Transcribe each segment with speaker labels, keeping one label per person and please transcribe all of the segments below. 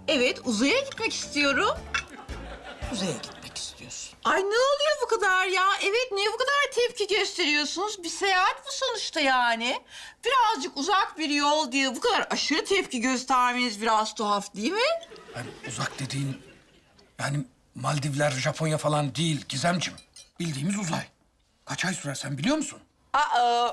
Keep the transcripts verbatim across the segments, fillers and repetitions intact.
Speaker 1: Evet, uzaya gitmek istiyorum.
Speaker 2: Uzaya gitmek istiyorsun.
Speaker 1: Ay ne oluyor bu kadar ya? Evet, niye bu kadar tepki gösteriyorsunuz? Bir seyahat bu sonuçta yani. Birazcık uzak bir yol diye bu kadar aşırı tepki göstermeniz biraz tuhaf değil mi?
Speaker 3: Yani uzak dediğin yani Maldivler, Japonya falan değil Gizemcim. Bildiğimiz uzay. Kaç ay sürer sen biliyor musun?
Speaker 1: Aa,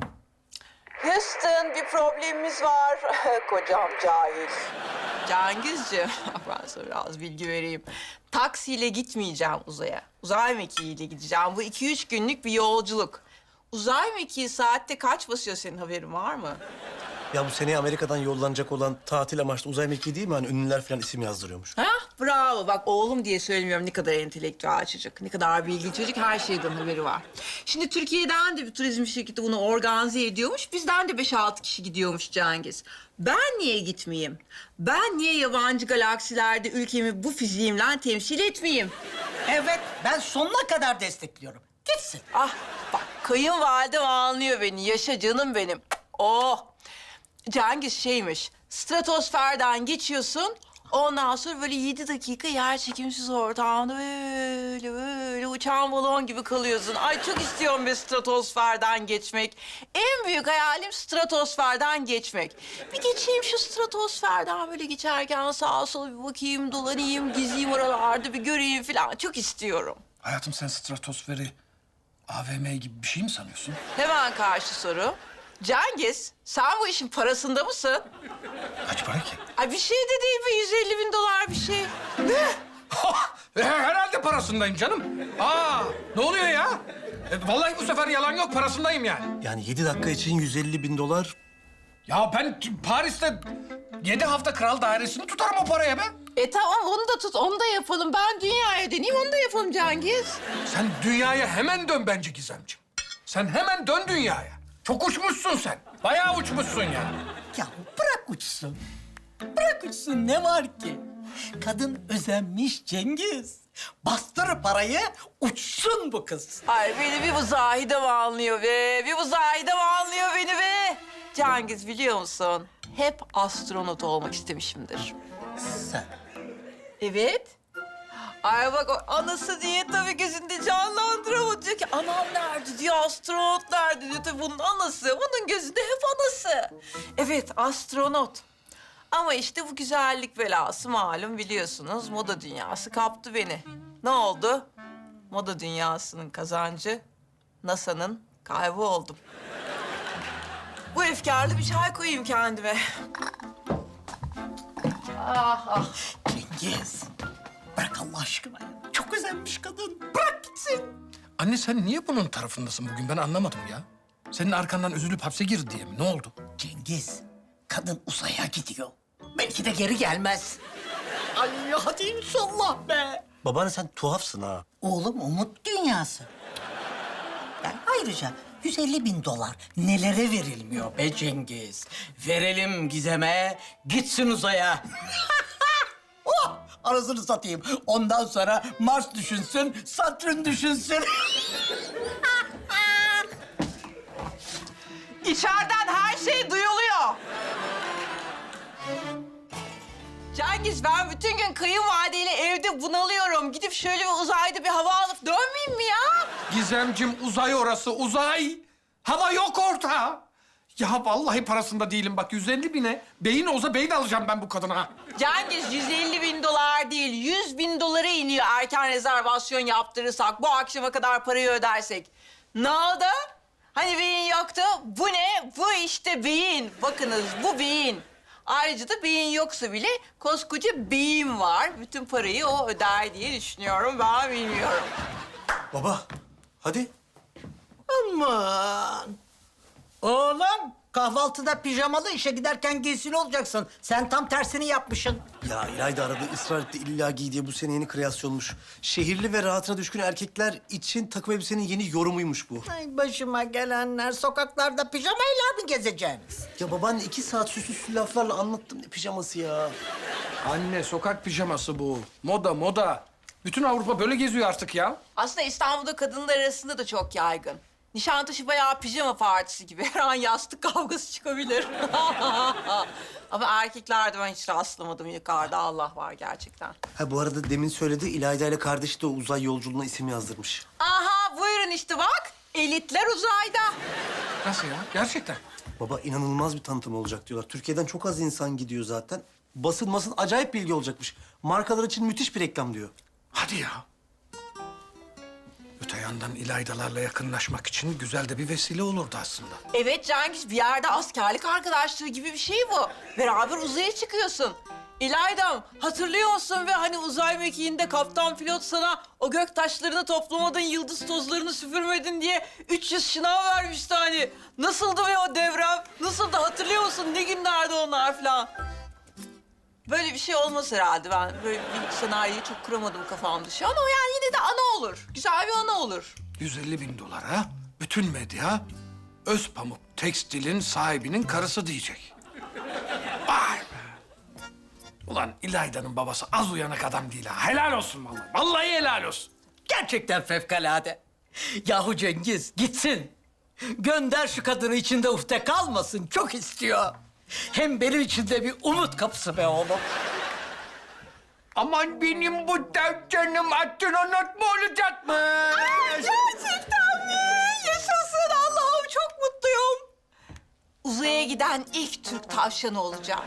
Speaker 1: Houston bir problemimiz var. Kocam cahil. Cengizciğim, ben sana biraz bilgi vereyim. Taksiyle gitmeyeceğim uzaya. Uzay mekiğiyle gideceğim. Bu iki üç günlük bir yolculuk. Uzay mekiği saatte kaç basıyor, senin haberin var mı?
Speaker 4: Ya bu seneye Amerika'dan yollanacak olan tatil amaçlı uzay mekiği değil mi? Hani ünlüler falan isim yazdırıyormuş.
Speaker 1: Ha, bravo. Bak oğlum diye söylemiyorum, ne kadar entelektüel çocuk, ne kadar bilgili çocuk, her şeyden haberi var. Şimdi Türkiye'den de bir turizm şirketi bunu organize ediyormuş. Bizden de beş altı kişi gidiyormuş Cengiz. Ben niye gitmeyeyim? Ben niye yabancı galaksilerde ülkemi bu fiziğimle temsil etmeyeyim?
Speaker 2: Evet, ben sonuna kadar destekliyorum. Gitsin.
Speaker 1: Ah bak, kayınvalidem anlıyor beni. Yaşa canım benim. Oh. Cengiz şeymiş, stratosferden geçiyorsun. Ondan sonra böyle yedi dakika yer çekimsiz ortamda böyle böyle uçan balon gibi kalıyorsun. Ay çok istiyorum bir stratosferden geçmek. En büyük hayalim stratosferden geçmek. Bir geçeyim şu stratosferden, böyle geçerken sağa sola bir bakayım, dolanayım, gezeyim oralarda, bir göreyim falan. Çok istiyorum.
Speaker 3: Hayatım sen stratosferi A V M gibi bir şey mi sanıyorsun?
Speaker 1: Hemen karşı soru. Cengiz, sen bu işin parasında mısın?
Speaker 3: Kaç para ki?
Speaker 1: Ay bir şey de değil be, yüz elli bin dolar bir şey.
Speaker 3: E, Herhalde parasındayım canım. Aa, ne oluyor ya? E, vallahi bu sefer yalan yok, parasındayım yani.
Speaker 4: Yani yedi dakika için yüz elli bin dolar.
Speaker 3: Ya ben t- Paris'te yedi hafta kral dairesini tutarım o paraya be.
Speaker 1: E tamam, onu da tut, onu da yapalım. Ben dünyaya döneyim, onu da yapalım Cengiz.
Speaker 3: Sen dünyaya hemen dön bence Gizemciğim. Sen hemen dön dünyaya. Çok uçmuşsun sen. Bayağı uçmuşsun yani.
Speaker 2: Ya bırak uçsun. Bırak uçsun, ne var ki? Kadın özenmiş Cengiz. Bastır parayı, uçsun bu kız.
Speaker 1: Ay beni bir bu Zahide mi anlıyor be? Bir bu Zahide mi anlıyor beni be? Cengiz, biliyor musun? Hep astronot olmak istemişimdir.
Speaker 2: Sen.
Speaker 1: Evet. Ay bak, o anası diye tabii gözünde canlandıramadı. Diyor ki anam nerede diyor, astronot nerede diyor. Tabii bunun anası, bunun gözünde hep anası. Evet, astronot. Ama işte bu güzellik belası malum, biliyorsunuz. Moda dünyası kaptı beni. Ne oldu? Moda dünyasının kazancı, NASA'nın kaybı oldum. Bu efkarlı bir çay koyayım kendime. Ah ah.
Speaker 2: Cengiz, bırak Allah aşkına ya. Çok özenmiş kadın. Bırak gitsin.
Speaker 3: Anne sen niye bunun tarafındasın bugün? Ben anlamadım ya. Senin arkandan üzülüp hapse girdi diye mi? Ne oldu?
Speaker 2: Cengiz, kadın uzaya gidiyor. Belki de geri gelmez. Ay hadi inşallah be.
Speaker 4: Babaanne sen tuhafsın ha.
Speaker 2: Oğlum umut dünyası. Yani ayrıca yüz elli bin dolar nelere verilmiyor be Cengiz? Verelim Gizem'e, gitsin uzaya. Oh, arasını satayım. Ondan sonra Mars düşünsün, Satürn düşünsün.
Speaker 1: İçeriden her şey duyuluyor. Cengiz, ben bütün gün kayınvalideyle evde bunalıyorum. Gidip şöyle bir uzayda bir hava alıp dönmeyeyim mi ya?
Speaker 3: Gizemcim uzay orası, uzay. Hava yok orta. Ya vallahi parasında değilim bak. yüz elli bine beyin olsa beyin alacağım ben bu kadına.
Speaker 1: Cengiz, yüz elli bin dolar değil, yüz bin dolara iniyor erken rezervasyon yaptırırsak. Bu akşama kadar parayı ödersek. Ne oldu? Hani beyin yoktu? Bu ne? Bu işte beyin. Bakınız, bu beyin. Ayrıca da beyin yoksa bile koskoca beyin var. Bütün parayı o öder diye düşünüyorum. Ben bilmiyorum.
Speaker 4: Baba hadi.
Speaker 2: Aman. Oğlum, kahvaltıda pijamalı işe giderken giysili olacaksın. Sen tam tersini yapmışsın.
Speaker 4: Ya İlayda aradı ısrar etti illa giy diye, bu sene yeni kreasyonmuş. Şehirli ve rahatına düşkün erkekler için takım elbisenin yeni yorumuymuş bu.
Speaker 2: Ay başıma gelenler, sokaklarda pijamayla mı gezeceğiniz?
Speaker 4: Ya babaanne iki saat süslü süslü laflarla anlattım, ne pijaması ya.
Speaker 3: Anne sokak pijaması bu. Moda moda. Bütün Avrupa böyle geziyor artık ya.
Speaker 1: Aslında İstanbul'da kadınlar arasında da çok yaygın. Nişantaşı bayağı pijama partisi gibi. Her an yastık kavgası çıkabilir. Ama erkeklerde ben hiç rastlamadım yukarıda. Allah var gerçekten.
Speaker 4: Ha bu arada demin söyledi İlayda ile kardeşi de o uzay yolculuğuna isim yazdırmış.
Speaker 1: Aha buyurun işte bak. Elitler uzayda.
Speaker 3: Nasıl ya? Gerçekten.
Speaker 4: Baba inanılmaz bir tanıtım olacak diyorlar. Türkiye'den çok az insan gidiyor zaten. Basın masın acayip bilgi olacakmış. Markalar için müthiş bir reklam diyor.
Speaker 3: Hadi ya. Öte yandan İlaydalarla yakınlaşmak için güzel de bir vesile olurdu aslında.
Speaker 1: Evet Cengiz, bir yerde askerlik arkadaşlığı gibi bir şey bu. Beraber uzaya çıkıyorsun. İlaydam, hatırlıyor musun ve hani uzay mekiğinde kaptan pilot sana o gök taşlarını toplamadın, yıldız tozlarını süpürmedin diye üç yüz şınav vermişti hani. Nasıldı be o devrem? Nasıldı hatırlıyor musun? Ne günlerdi onlar falan. Böyle bir şey olmaz herhalde. Ben böyle bir senaryoyu çok kuramadım kafamda şu an. Ama yani yine de ana olur. Güzel bir ana olur.
Speaker 3: yüz elli bin dolara bütün medya Özpamuk Tekstil'in sahibinin karısı diyecek. Vay be. Ulan İlayda'nın babası az uyanık adam değil ha. Helal olsun vallahi. Vallahi helal olsun.
Speaker 2: Gerçekten fevkalade. Yahu Cengiz gitsin. Gönder şu kadını içinde ufte kalmasın. Çok istiyor. Hem benim için de bir umut kapısı be oğlum.
Speaker 3: Aman benim bu dev canım astronot mu olacakmış?
Speaker 1: Gerçekten mi? Yaşasın Allah'ım, çok mutluyum. Uzaya giden ilk Türk tavşanı olacağım.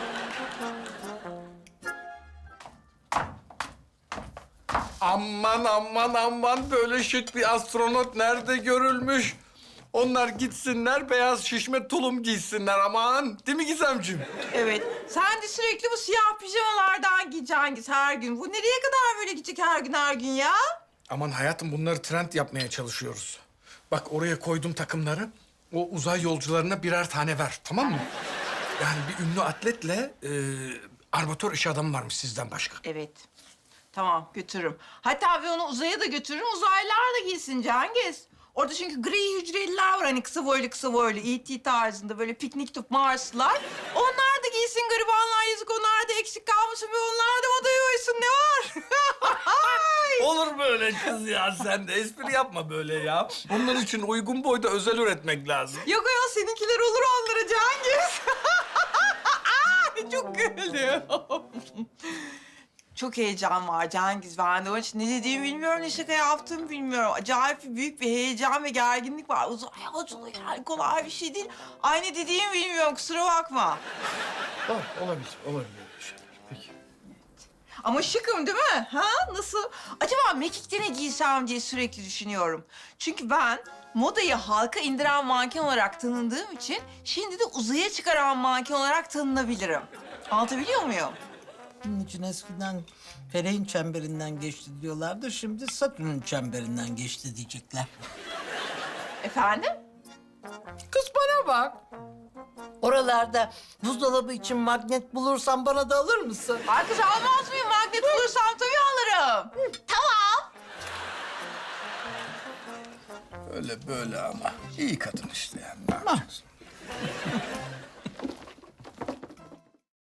Speaker 3: Aman aman aman böyle şık bir astronot nerede görülmüş? Onlar gitsinler beyaz şişme tulum giysinler aman. Değil mi Gizemciğim?
Speaker 1: Evet. Sen de sürekli bu siyah pijamalardan giy Cengiz her gün. Bu nereye kadar böyle gidecek her gün her gün ya?
Speaker 3: Aman hayatım bunları trend yapmaya çalışıyoruz. Bak oraya koydum takımları. O uzay yolcularına birer tane ver tamam mı? Yani bir ünlü atletle e, armatör iş adamı varmış sizden başka.
Speaker 1: Evet. Tamam götürürüm. Hatta bir onu uzaya da götürürüm. Uzaylılar da giysin Cengiz. Orada çünkü gri hücreliler var hani kısa boylu kısa boylu E T tarzında böyle piknik tüp Marslılar. Onlar da giysin garibanlar yazık onlar da eksik kalmasın ve onlar da odaya uysun ne var?
Speaker 3: Olur böyle kız ya sen de espri yapma böyle ya. Bunlar için uygun boyda özel üretmek lazım.
Speaker 1: Yok ya seninkiler olur onlara Cengiz. Çok güldüm. Çok heyecan var Cengiz. Ben de onun için ne dediğimi bilmiyorum, ne şaka yaptığımı bilmiyorum. Acayip büyük bir heyecan ve gerginlik var. Uzay yolculuğu yani kolay bir şey değil. Aynı dediğimi bilmiyorum, kusura bakma.
Speaker 3: Olabilir, olabilir. Peki.
Speaker 1: Ama şıkım değil mi? Ha? Nasıl? Acaba mekikte ne giysem diye sürekli düşünüyorum. Çünkü ben modayı halka indiren manken olarak tanındığım için... ...şimdi de uzaya çıkaran manken olarak tanınabilirim. Anlatabiliyor muyum?
Speaker 2: Bunun için eskiden Feleğin çemberinden geçti diyorlardı. Şimdi Satürn'ün çemberinden geçti diyecekler.
Speaker 1: Efendim?
Speaker 2: Kız bana bak. Oralarda buzdolabı için magnet bulursan bana da alır mısın?
Speaker 1: Ay kız almaz mıyım? Magnet bulursam tabii alırım. Tamam.
Speaker 3: Öyle böyle ama iyi kadın işte yani. Ne yapacaksın?